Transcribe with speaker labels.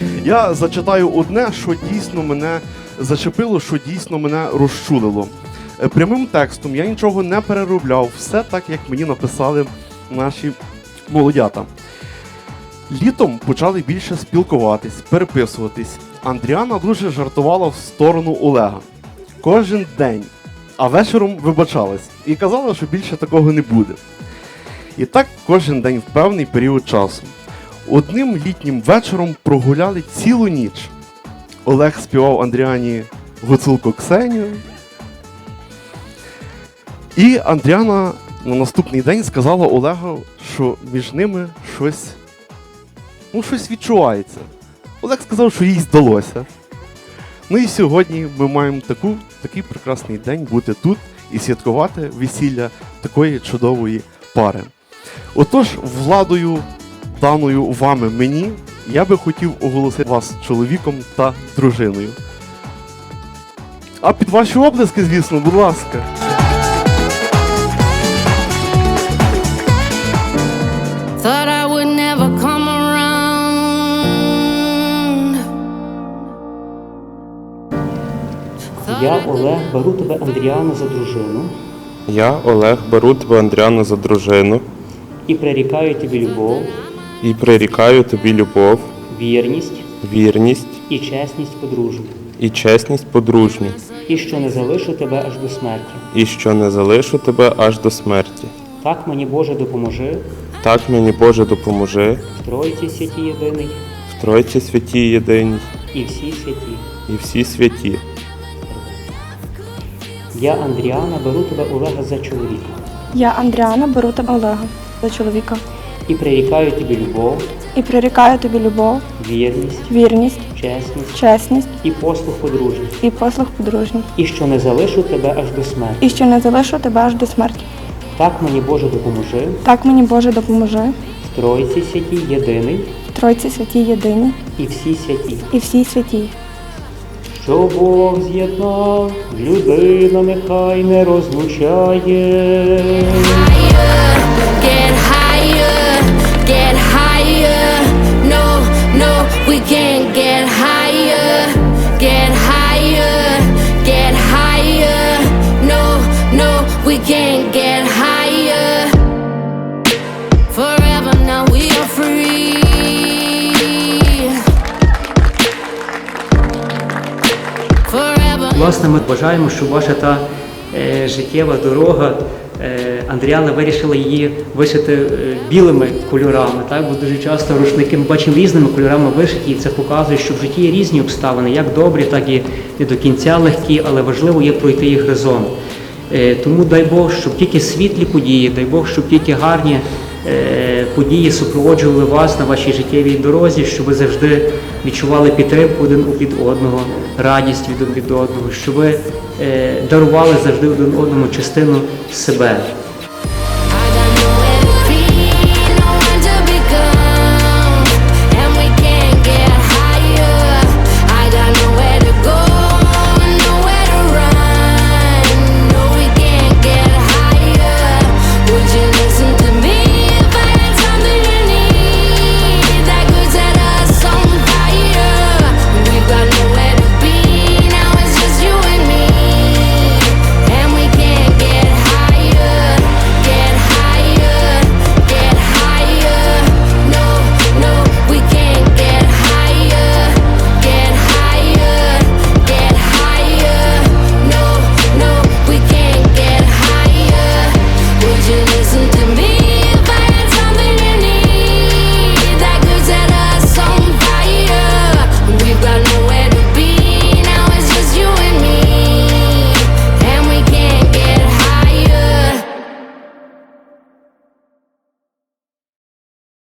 Speaker 1: Я зачитаю одне, що дійсно мене зачепило, що дійсно мене розчулило. Прямим текстом я нічого не переробляв, все так, як мені написали наші молодята. Літом почали більше спілкуватись, переписуватись. Андріана дуже жартувала в сторону Олега. Кожен день, а вечором вибачалась. І казала, що більше такого не буде. І так кожен день в певний період часу. Одним літнім вечором прогуляли цілу ніч. Олег співав Андріані «Гуцулко Ксенію». І Андріана на наступний день сказала Олегу, що між ними щось відчувається. Олег сказав, що їй здалося. Ну і сьогодні ми маємо такий прекрасний день бути тут і святкувати весілля такої чудової пари. Отож, владою, даною вами мені, я би хотів оголосити вас чоловіком та дружиною. А під ваші оплески, звісно, будь ласка.
Speaker 2: Thought I would never come around.
Speaker 3: Я, Олег, беру тебе, Андріану, за дружину
Speaker 4: Я, Олег, беру тебе, Андріану, за дружину
Speaker 3: і прирікаю тобі любов,
Speaker 4: і прирікаю тобі любов,
Speaker 3: вірність
Speaker 4: вірність
Speaker 3: і чесність подружню,
Speaker 4: і чесність подружню,
Speaker 3: і що не залишу тебе аж до смерті.
Speaker 4: і що не залишу тебе аж до смерті.
Speaker 3: Так мені, Боже, допоможи,
Speaker 4: Так мені, Боже, допоможи,
Speaker 3: в Тройці святі єдиний
Speaker 4: в Тройці святій єдиній
Speaker 3: і всі святі.
Speaker 4: і всі святі.
Speaker 3: Я, Андріана, беру тебе, Олега, за чоловіка
Speaker 5: Я, Андріана, беру тебе, Олега, за чоловіка.
Speaker 3: і прирікаю тобі любов,
Speaker 5: І прирікаю тобі любов,
Speaker 3: вірність,
Speaker 5: чесність
Speaker 3: чесність і послуг подружній,
Speaker 5: і послуг подружній.
Speaker 3: і що не залишу тебе аж до смерті.
Speaker 5: І що не залишу тебе аж до смерті.
Speaker 3: Так мені, Боже, допоможи,
Speaker 5: Так мені, Боже, допоможи,
Speaker 3: в Тройці святій єдиний
Speaker 5: в Тройці святій єдині
Speaker 3: і всі святі.
Speaker 5: і всі святі.
Speaker 3: Що Бог з'єднав, людина нехай не розлучає.
Speaker 2: Get higher, get higher. No, no, we can't get higher. Get higher, get higher. No, no, we can't get higher. Forever now we are free. Forever.
Speaker 3: Власне, ми бажаємо, щоб ваша та життєва дорога, Андріана вирішила її вишити білими кольорами, так? Бо дуже часто рушники ми бачимо різними кольорами вишиті, і це показує, що в житті є різні обставини, як добрі, так і не до кінця легкі, але важливо є пройти їх разом. Тому дай Бог, щоб тільки світлі події, дай Бог, щоб тільки гарні події супроводжували вас на вашій життєвій дорозі, щоб ви завжди відчували підтримку один від одного, радість від одного, щоб ви дарували завжди один одному частину себе.